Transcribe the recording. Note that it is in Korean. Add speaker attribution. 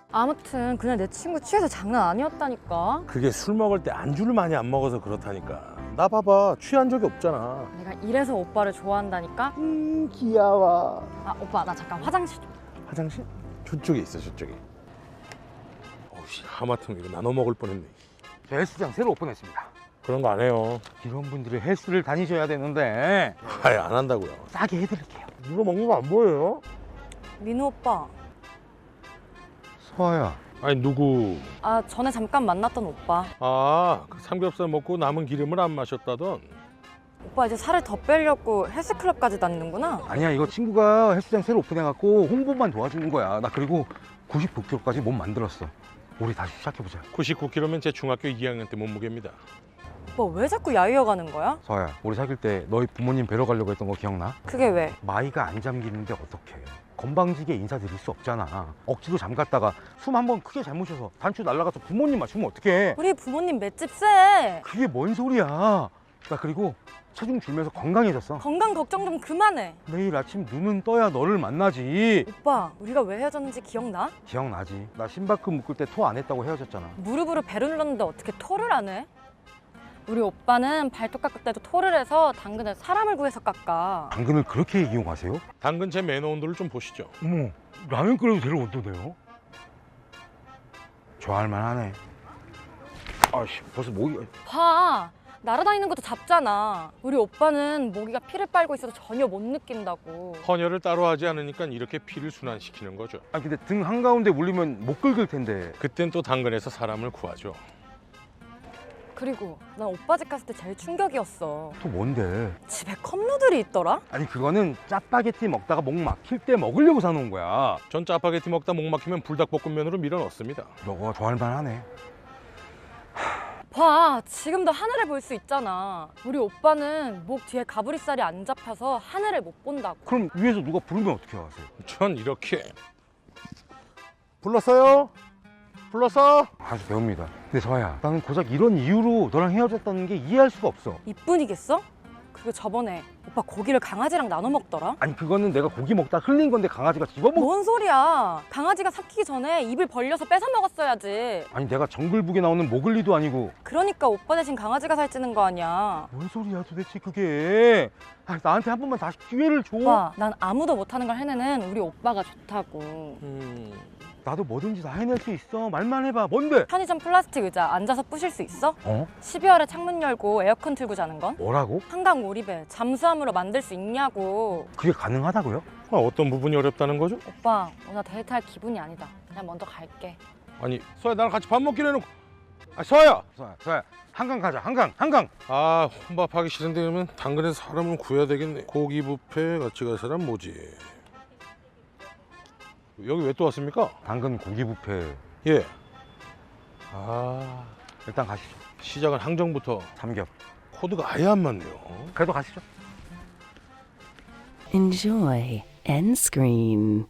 Speaker 1: 아무튼 그날 내 친구 취해서 장난 아니었다니까.
Speaker 2: 그게 술 먹을 때 안주를 많이 안 먹어서 그렇다니까. 나 봐봐, 취한 적이 없잖아.
Speaker 1: 내가 이래서 오빠를 좋아한다니까.
Speaker 2: 귀여워.
Speaker 1: 아 오빠 나 잠깐 화장실 좀.
Speaker 2: 화장실? 저쪽에 있어, 저쪽에. 어우씨, 하마터면 이거 나눠 먹을 뻔했네.
Speaker 3: 저 헬스장 새로 오픈했습니다.
Speaker 2: 그런 거 안 해요.
Speaker 3: 이런 분들이 헬스를 다니셔야 되는데
Speaker 2: 아예 안 한다고요.
Speaker 3: 싸게 해드릴게요.
Speaker 2: 누가 먹는 거 안 보여요?
Speaker 1: 민우 오빠.
Speaker 3: 서아야.
Speaker 2: 아니 누구?
Speaker 1: 아 전에 잠깐 만났던 오빠.
Speaker 2: 아, 그 삼겹살 먹고 남은 기름을 안 마셨다던.
Speaker 1: 오빠 이제 살을 더 빼려고 헬스클럽까지 다니는구나.
Speaker 3: 아니야, 이거 친구가 헬스장 새로 오픈해갖고 홍보만 도와주는 거야. 나 그리고 99kg까지 몸 만들었어. 우리 다시 시작해보자.
Speaker 2: 99kg면 제 중학교 2학년 때 몸무게입니다.
Speaker 1: 오빠 왜 자꾸 야유어가는 거야?
Speaker 3: 서아야, 우리 사귈 때 너희 부모님 뵈러 가려고 했던 거 기억나?
Speaker 1: 그게 왜?
Speaker 3: 마이가 안 잠기는데 어떡해. 건방지게 인사드릴 수 없잖아. 억지로 잠갔다가 숨 한 번 크게 잘못 쉬어서 단추 날아가서 부모님 맞추면 어떡해.
Speaker 1: 우리 부모님 맷집 세.
Speaker 3: 그게 뭔 소리야. 나 그리고 체중 줄면서 건강해졌어.
Speaker 1: 건강 걱정 좀 그만해.
Speaker 3: 내일 아침 눈은 떠야 너를 만나지.
Speaker 1: 오빠 우리가 왜 헤어졌는지 기억나?
Speaker 3: 기억나지? 나 심박급 묶을 때 토 안 했다고 헤어졌잖아.
Speaker 1: 무릎으로 배를 눌렀는데 어떻게 토를 안 해? 우리 오빠는 발톱 깎을 때도 토를 해서 당근에 사람을 구해서 깎아.
Speaker 3: 당근을 그렇게 이용하세요?
Speaker 2: 당근 제 매너 온도를 좀 보시죠.
Speaker 3: 어머, 라면 끓여도 될 온도네요. 좋아할 만하네. 아씨, 벌써 목이...
Speaker 1: 봐. 날아다니는 것도 잡잖아. 우리 오빠는 모기가 피를 빨고 있어서 전혀 못 느낀다고.
Speaker 2: 헌혈을 따로 하지 않으니까 이렇게 피를 순환시키는 거죠.
Speaker 3: 아 근데 등 한가운데 물리면 못 긁을 텐데.
Speaker 2: 그땐 또 당근에서 사람을 구하죠.
Speaker 1: 그리고 난 오빠 집 갔을 때 제일 충격이었어.
Speaker 3: 또 뭔데?
Speaker 1: 집에 컵누들이 있더라?
Speaker 3: 아니 그거는 짜파게티 먹다가 목 막힐 때 먹으려고 사놓은 거야.
Speaker 2: 전 짜파게티 먹다 목 막히면 불닭볶음면으로 밀어 넣습니다.
Speaker 3: 너가 좋아할 만하네.
Speaker 1: 봐, 지금도 하늘을 볼 수 있잖아. 우리 오빠는 목 뒤에 가브리살이 안 잡혀서 하늘을 못 본다고.
Speaker 3: 그럼 위에서 누가 부르면 어떻게 하세요?
Speaker 2: 전 이렇게. 불렀어요? 불렀어?
Speaker 3: 아주 배웁니다. 근데 서아야, 나는 고작 이런 이유로 너랑 헤어졌다는 게 이해할 수가 없어.
Speaker 1: 이뿐이겠어? 그리고 저번에 오빠 고기를 강아지랑 나눠 먹더라?
Speaker 3: 아니 그거는 내가 고기 먹다 흘린 건데 강아지가 집어먹...
Speaker 1: 뭔 소리야. 강아지가 삭히기 전에 입을 벌려서 뺏어 먹었어야지.
Speaker 3: 아니 내가 정글북에 나오는 모글리도 아니고.
Speaker 1: 그러니까 오빠 대신 강아지가 살찌는 거 아니야.
Speaker 3: 뭔 소리야 도대체 그게. 아, 나한테 한 번만 다시 기회를 줘.
Speaker 1: 오빠, 난 아무도 못하는 걸 해내는 우리 오빠가 좋다고.
Speaker 3: 나도 뭐든지 다 해낼 수 있어. 말만 해봐. 뭔데?
Speaker 1: 편의점 플라스틱 의자 앉아서 부실 수 있어?
Speaker 3: 어?
Speaker 1: 12월에 창문 열고 에어컨 틀고 자는 건?
Speaker 3: 뭐라고?
Speaker 1: 한강 오리배 잠수함으로 만들 수 있냐고.
Speaker 3: 그게 가능하다고요?
Speaker 2: 아, 어떤 부분이 어렵다는 거죠?
Speaker 1: 오빠 오늘 데이트할 기분이 아니다. 그냥 먼저 갈게.
Speaker 2: 아니, 서야 나랑 같이 밥 먹기로 해놓고. 아, 서야!
Speaker 3: 서야 한강 가자. 한강.
Speaker 2: 아, 혼밥하기 싫은데 그러면 당근에서 사람을 구해야 되겠네. 고기 뷔페 같이 갈 사람 뭐지? 여기 왜 또 왔습니까?
Speaker 3: 당근 고기 뷔페.
Speaker 2: 예. 아,
Speaker 3: 일단 가시죠.
Speaker 2: 시작은 항정부터
Speaker 3: 삼겹.
Speaker 2: 코드가 아예 안 맞네요.
Speaker 3: 그래도 가시죠.
Speaker 4: Enjoy end screen.